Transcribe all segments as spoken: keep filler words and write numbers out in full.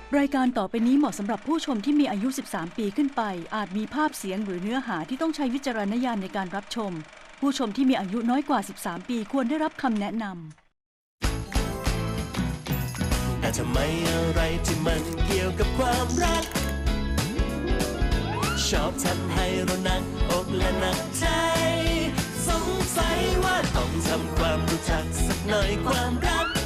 รายการต่อไปนี้เหมาะสำหรับผู้ชมที่มีอายุ สิบสาม ปีขึ้นไป อาจมีภาพเสียงหรือเนื้อหาที่ต้องใช้วิจารณญาณในการรับชม ผู้ชมที่มีอายุน้อยกว่า สิบสาม ปีควรได้รับคำแนะนำแต่ทำไมอะไรที่มันเกี่ยวกับความรักชอบทำให้เราหนักอกและหนักใจสงสัยว่าต้องทำความรู้จักสักหน่อยความรัก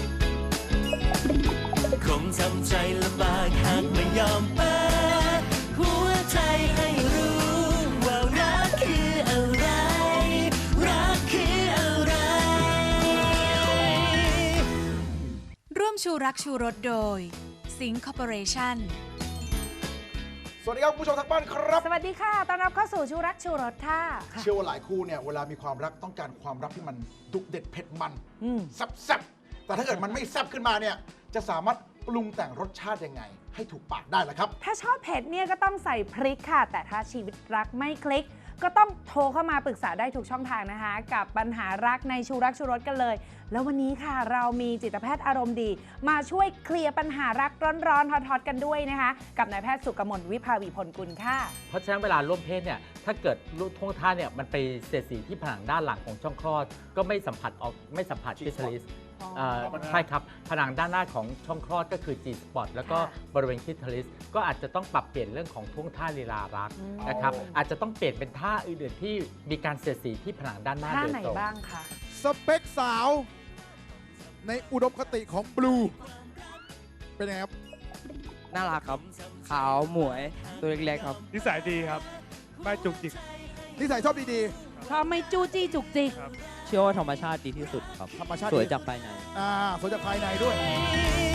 คงทำใจลำบากหากไม่ยอมเปิดหัวใจให้รู้ว่ารักคืออะไรรักคืออะไรร่วมชูรักชูรสโดยสิงห์คอร์ปอเรชั่นสวัสดีครับคุณผู้ชมทางบ้านครับสวัสดีค่ะ ต้อนรับเข้าสู่ชูรักชูรสค่ะเชื่อว่าหลายคู่เนี่ยเวลามีความรักต้องการความรักที่มันดุเด็ดเผ็ดมันแซ่บๆแต่ถ้าเกิดมันไม่แซ่บขึ้นมาเนี่ยจะสามารถปรุงแต่งรสชาติยังไงให้ถูกปากได้ล่ะครับถ้าชอบเผ็ดเนี่ยก็ต้องใส่พริกค่ะ แต่ถ้าชีวิตรักไม่คลิกก็ต้องโทรเข้ามาปรึกษาได้ทุกช่องทางนะคะกับปัญหารักในชูรักชูรสกันเลยแล้ววันนี้ค่ะเรามีจิตแพทย์อารมณ์ดีมาช่วยเคลียร์ปัญหารักร้อนๆฮอตๆกันด้วยนะคะกับนายแพทย์สุกมลวิภาวีผลกุลค่ะเพราะฉะนั้นเวลาร่วมเพศเนี่ยถ้าเกิดท่วงท่าเนี่ยมันไปเสียดสีที่ผนังด้านหลังของช่องคลอดก็ไม่สัมผัสออกไม่สัมผัสคลิทริสใช่ครับผนังด้านหน้าของช่องคลอดก็คือ G spot แล้วก็บริเวณคลิทริสก็อาจจะต้องปรับเปลี่ยนเรื่องของท่วงท่าลีลารักนะครับอาจจะต้องเปลี่ยนเป็นท่าอื่นๆที่มีการเสียดสีที่ผนังด้านหน้าโดยตรงท่าไหนบ้างคะสเปคสาวในอุดมคติของบลูเป็นยังไงครับน่ารักครับขาวหมวยตัวเล็กๆครับนิสัยดีครับไม่จุกจิกนิสัยชอบดีๆชอบไม่จู้จี้จุกจิกเชื่อว่าธรรมชาติดีที่สุดครับธรรมชาติสวยจากภายในอ่าสวยจากภายในด้วย